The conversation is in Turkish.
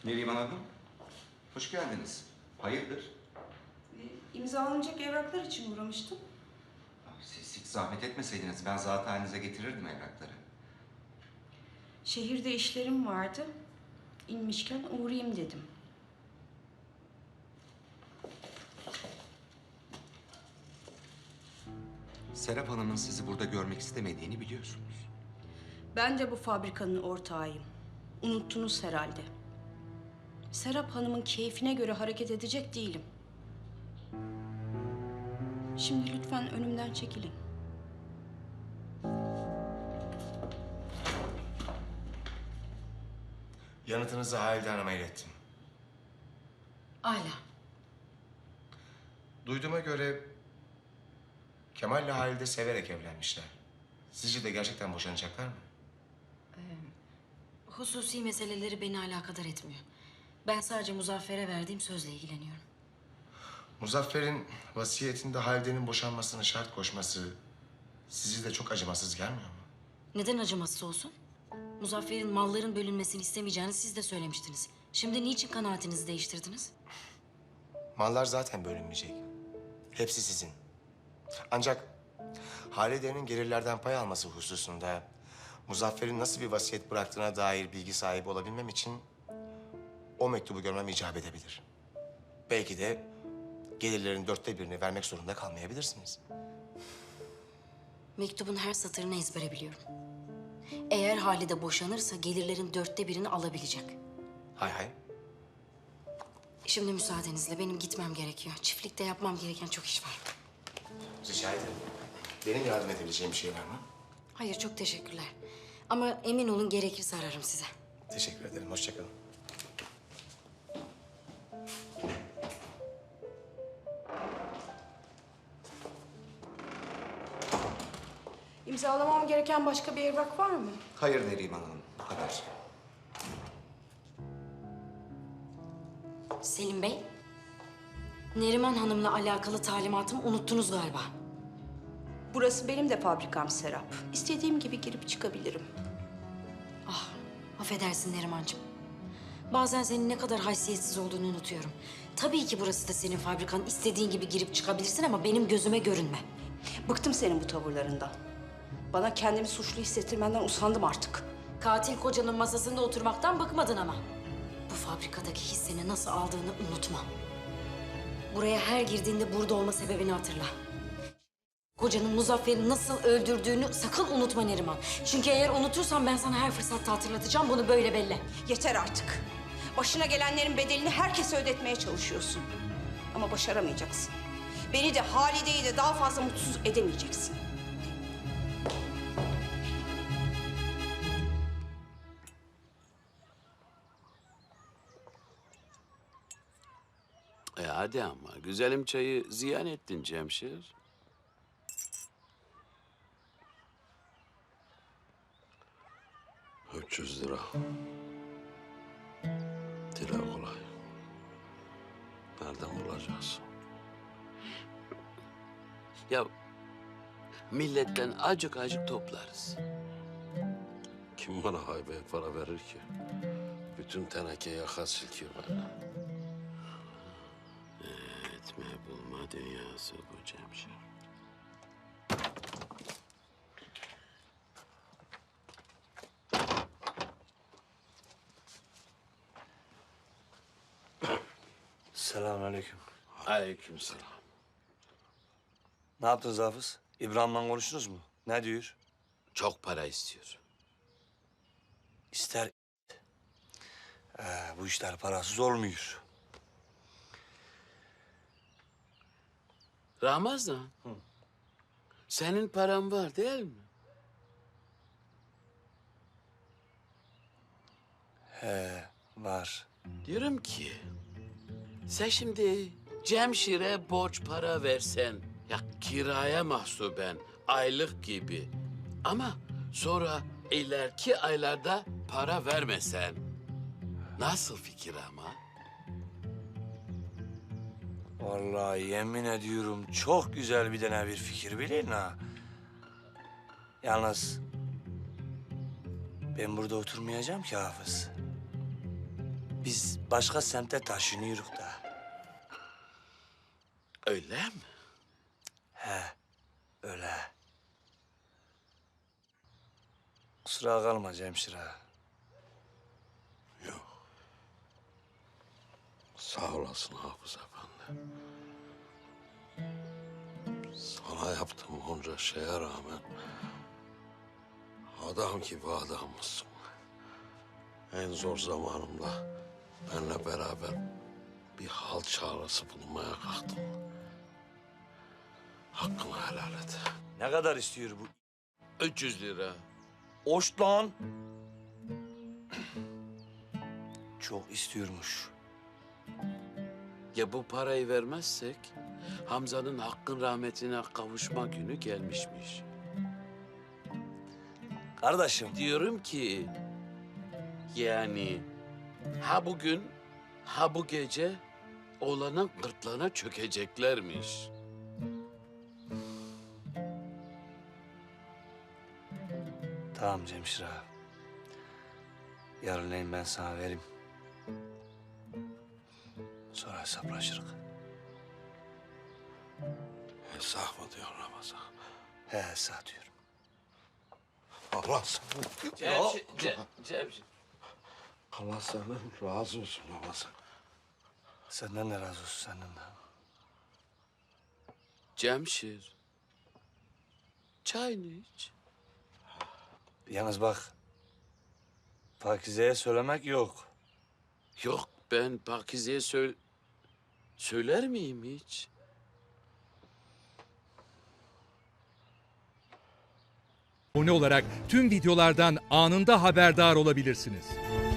Neriman Hanım, hoş geldiniz. Hayırdır? İmzalanacak evraklar için uğramıştım. Siz hiç zahmet etmeseydiniz ben zaten halinize getirirdim evrakları. Şehirde işlerim vardı. İnmişken uğrayayım dedim. Serap Hanım'ın sizi burada görmek istemediğini biliyorsunuz. Ben de bu fabrikanın ortağıyım. Unuttunuz herhalde. Serap Hanım'ın keyfine göre hareket edecek değilim. Şimdi lütfen önümden çekilin. Yanıtınızı Halide Hanım'a ilettim. Ayla. Duyduğuma göre Kemal ile Halide severek evlenmişler. Sizce de gerçekten boşanacaklar mı? Hususi meseleleri beni alakadar etmiyor. Ben sadece Muzaffer'e verdiğim sözle ilgileniyorum. Muzaffer'in vasiyetinde Halide'nin boşanmasını şart koşması sizi de çok acımasız gelmiyor mu? Neden acımasız olsun? Muzaffer'in malların bölünmesini istemeyeceğini siz de söylemiştiniz. Şimdi niçin kanaatinizi değiştirdiniz? Mallar zaten bölünmeyecek. Hepsi sizin. Ancak Halide'nin gelirlerden pay alması hususunda Muzaffer'in nasıl bir vasiyet bıraktığına dair bilgi sahibi olabilmem için o mektubu görmem icap edebilir. Belki de gelirlerin 1/4'ünü vermek zorunda kalmayabilirsiniz. Mektubun her satırını ezbere biliyorum. Eğer Halide boşanırsa gelirlerin 1/4'ünü alabilecek. Hay hay. Şimdi müsaadenizle benim gitmem gerekiyor. Çiftlikte yapmam gereken çok iş var. Rica ederim. Benim yardım edebileceğim bir şey var mı? Hayır, çok teşekkürler. Ama emin olun gerekirse ararım size. Teşekkür ederim. Hoşça kalın. İmzalamam gereken başka bir evrak var mı? Hayır Neriman Hanım, bu kadar. Selim Bey, Neriman Hanım'la alakalı talimatımı unuttunuz galiba. Burası benim de fabrikam Serap. İstediğim gibi girip çıkabilirim. Ah, affedersin Nerimancığım. Bazen senin ne kadar haysiyetsiz olduğunu unutuyorum. Tabii ki burası da senin fabrikan. İstediğin gibi girip çıkabilirsin ama benim gözüme görünme. Bıktım senin bu tavırlarından. Bana kendimi suçlu hissettirmenden usandım artık. Katil kocanın masasında oturmaktan bıkmadın ama. Bu fabrikadaki hisseni nasıl aldığını unutma. Buraya her girdiğinde burada olma sebebini hatırla. Kocanın Muzaffer'i nasıl öldürdüğünü sakın unutma Neriman. Çünkü eğer unutursan ben sana her fırsatta hatırlatacağım. Bunu böyle belli. Yeter artık. Başına gelenlerin bedelini herkese ödetmeye çalışıyorsun. Ama başaramayacaksın. Beni de Halide'yi de daha fazla mutsuz edemeyeceksin. Hadi ama güzelim çayı ziyan ettin Cemşir. $300. Dile kolay. Nereden bulacağız? Ya milletten acık acık toplarız. Kim bana haybeye para verir ki? Bütün teneke yaka silkiyor bana. Etme bulma dünyası bu Cemşir. Selamünaleyküm. Aleykümselam. Ne yaptınız Hafız? İbrahim'le konuştunuz mu? Ne diyor? Çok para istiyor. İster. Bu işler parasız olmuyor. Ramazan. Senin paran var değil mi? Var. Diyorum ki sen şimdi Cemşir'e borç para versen ya kiraya mahsuben aylık gibi ama sonra ileriki aylarda para vermesen nasıl fikir ama? Vallahi yemin ediyorum çok güzel bir tane bir fikir bilin ha. Yalnız ben burada oturmayacağım ki Hafız. Biz başka semte taşınıyoruz da. Öyle mi? He, öyle. Kusura kalma Cemşir ağa. Sağ olasın Hafız Efendi. Sana yaptığım onca şeye rağmen adam gibi adammışsın. En zor zamanımda benimle beraber bir hal çağrısı bulunmaya kalktın. Hakkını helal et. Ne kadar istiyor bu? 300 lira. Oş lan. Çok istiyormuş. Ya bu parayı vermezsek Hamza'nın hakkın rahmetine kavuşma günü gelmişmiş. Kardeşim. Diyorum ki yani ha bugün ha bu gece oğlanın gırtlağına çökeceklermiş. Tamam Cemşir ağa. Yarınleyin ben sana vereyim. Sonra hesaplaşırız. Hesap mı diyor Ramazan? He hesap diyorum. Allah senden... Cemşir. Allah senden razı olsun Ramazan. Senden de razı olsun senden de. Cemşir. Çayını iç. Yalnız bak. Pakize'ye söylemek yok. Yok ben Pakize'ye söyler miyim hiç? Abone olarak tüm videolardan anında haberdar olabilirsiniz.